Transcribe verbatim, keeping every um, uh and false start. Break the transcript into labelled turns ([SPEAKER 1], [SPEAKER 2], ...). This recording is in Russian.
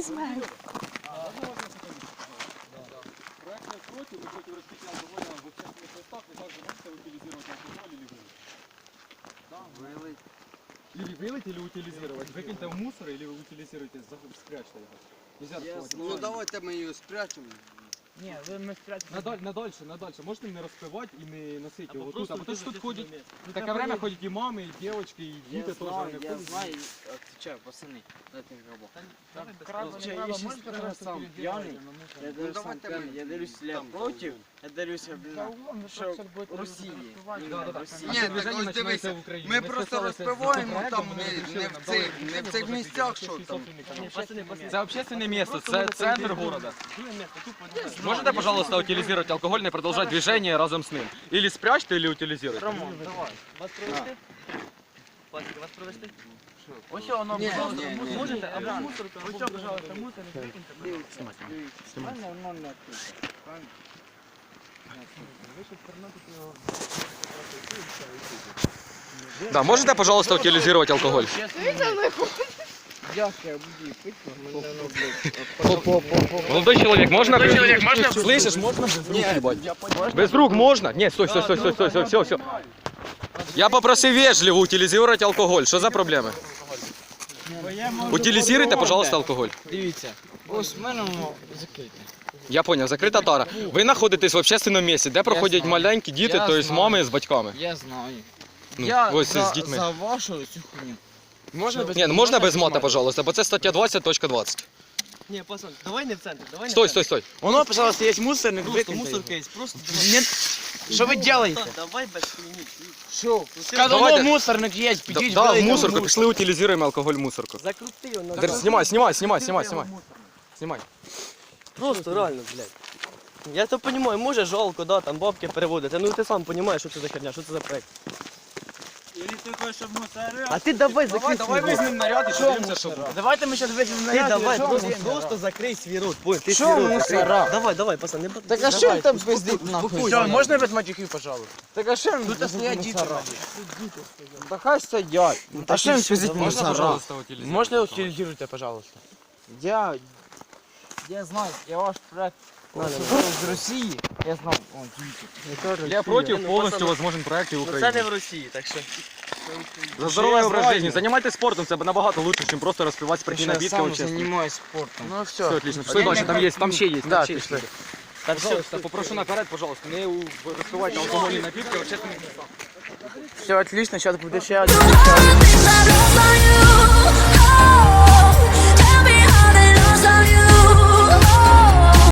[SPEAKER 1] візьмемо.
[SPEAKER 2] Проект против, вы против распития алкоголя в общественных местах, вы также можете утилизировать алкоголь или вылить? Да, вылить. Или вылить, или утилизировать. Выкиньте в мусор, или вы утилизируете, спрячьте его. Нельзя расплывать.
[SPEAKER 3] Ну давайте ми її спрячемо.
[SPEAKER 1] Ні, ми спрятали.
[SPEAKER 2] Надаль, надальше, надальше. Можете не распивать и не носить его тут, а потому что тут ходят, в такое время ходят и мамы, и девочки, и дети тоже. Они
[SPEAKER 3] Я
[SPEAKER 2] ходят.
[SPEAKER 3] знаю, отвечаю, пацани, дайте грабо.
[SPEAKER 1] Я
[SPEAKER 3] Я сейчас сам пьяный, я дарю сам пьяный, я дарюсь лет против, я дарюсь, блин, що Росії.
[SPEAKER 2] Ні,
[SPEAKER 3] так ось дивися, ми просто розпиваємо там не, не, в цих, не в цих місцях, що там.
[SPEAKER 2] Это общественное место, це центр города. Можете, пожалуйста, утилизировать алкоголь и продолжать движение разом с ним? Или спрячьте, или утилизируйте.
[SPEAKER 1] Роман, давай. Вас провести? Пасіка, вас провести? Ось воно,
[SPEAKER 3] Ні,
[SPEAKER 1] пожалуйста,
[SPEAKER 3] ні, ні,
[SPEAKER 1] можете,
[SPEAKER 3] ні,
[SPEAKER 1] або
[SPEAKER 3] ні.
[SPEAKER 1] мусорку, ось, пожалуйста, мусор, викиньте.
[SPEAKER 3] Дивіться, дивіться. Воно не тут.
[SPEAKER 2] Да, можете, пожалуйста, утилизировать алкоголь?
[SPEAKER 3] Як я буду пити?
[SPEAKER 2] Молодой человек, можно? Молодой человек, можно? Слышишь, можно без рук ебать? Без рук можно? Нет, стой, стой, стой, стой, стой, стой, все, все. Я попросил вежливо утилизировать алкоголь. Что за проблемы? Утилизируйте, пожалуйста, алкоголь.
[SPEAKER 3] Дивіться, ось в мене воно закрите.
[SPEAKER 2] Я понял, закрита тара. Ви знаходитесь в общественному місці, де проходять маленькі діти,
[SPEAKER 3] Я
[SPEAKER 2] тобто
[SPEAKER 3] знаю.
[SPEAKER 2] мами з батьками.
[SPEAKER 3] Я знаю.
[SPEAKER 2] Ну,
[SPEAKER 3] Я
[SPEAKER 2] ось
[SPEAKER 3] за,
[SPEAKER 2] з дітьми.
[SPEAKER 3] за вашу цю хуйню. Можна без
[SPEAKER 2] Ні, ну можна без мата, пожалуйста, бо це стаття двадцять точка двадцять.
[SPEAKER 1] Ні, пацан, давай не в центр, давай не
[SPEAKER 2] Стой,
[SPEAKER 1] в
[SPEAKER 2] стой, стой.
[SPEAKER 3] Воно, пожалуйста, є мусорник,
[SPEAKER 1] Просто
[SPEAKER 3] викиньте
[SPEAKER 1] мусорка
[SPEAKER 3] його.
[SPEAKER 1] є, просто
[SPEAKER 3] Що ви робите?
[SPEAKER 1] давай без хуйні.
[SPEAKER 3] Що?
[SPEAKER 2] Давайте.
[SPEAKER 3] Сказано, мусорник є,
[SPEAKER 2] Да,
[SPEAKER 3] підіть,
[SPEAKER 2] да, в
[SPEAKER 3] вилийте
[SPEAKER 2] мусорку,
[SPEAKER 3] мусор.
[SPEAKER 2] пішли утилізуємо алкоголь в мусорку.
[SPEAKER 1] Закрути його.
[SPEAKER 2] Дер, знімай, знімай, знімай, знімай, знімай. Знімай.
[SPEAKER 4] Просто реально, блядь. Я то понимаю, може жалко, да, там бабки переводити. Ну ти сам розумієш, що це за херня, що це за проект. А ти давай закрий свій рот.
[SPEAKER 2] візьмемо наряд і подивимося, що буде.
[SPEAKER 3] Давайте ми зараз візьмемо
[SPEAKER 4] Ти
[SPEAKER 3] наряд.
[SPEAKER 4] давай,
[SPEAKER 3] і що
[SPEAKER 4] просто,
[SPEAKER 3] ми?
[SPEAKER 4] просто закрий свій рот. Понял, ти
[SPEAKER 3] Що
[SPEAKER 4] свій рот
[SPEAKER 3] мусора?
[SPEAKER 4] закрий. Давай, давай, пацан, не б-
[SPEAKER 3] Так а що
[SPEAKER 4] давай,
[SPEAKER 3] ви там
[SPEAKER 4] успокойся.
[SPEAKER 3] пиздить нахуй?
[SPEAKER 4] Все,
[SPEAKER 3] Можна без матюхів, пожалуйста? Так а що ви
[SPEAKER 4] Тут стоять діти.
[SPEAKER 3] Да хай стоять. А що ви пиздить
[SPEAKER 2] Можна,
[SPEAKER 3] мусора?
[SPEAKER 2] пожалуйста, утилізувати?
[SPEAKER 3] Можна утилізуйте, пожалуйста? Я... Я знаю, я ваш проект з Росії. Я знав. О, діти.
[SPEAKER 2] Я против повністю возможен проект і в
[SPEAKER 4] Ну це
[SPEAKER 2] Україні.
[SPEAKER 4] не в Росії, так що.
[SPEAKER 2] За здоровий образ життя. Займайтесь спортом, це набагато лучше, ніж просто розпивати спиртні
[SPEAKER 3] Я
[SPEAKER 2] напитки
[SPEAKER 3] сам
[SPEAKER 2] общественно.
[SPEAKER 3] займаюся спортом. Ну все.
[SPEAKER 2] Все, отлично. Пішли далі, там є, там ще є.
[SPEAKER 3] Да,
[SPEAKER 2] там ще є.
[SPEAKER 3] пішли.
[SPEAKER 2] Так, пожалуйста, попрошу наперед, пожалуйста, не у- розпивайте алкогольні напитки в общественних містах.
[SPEAKER 3] Все отлично, зараз буде ще один.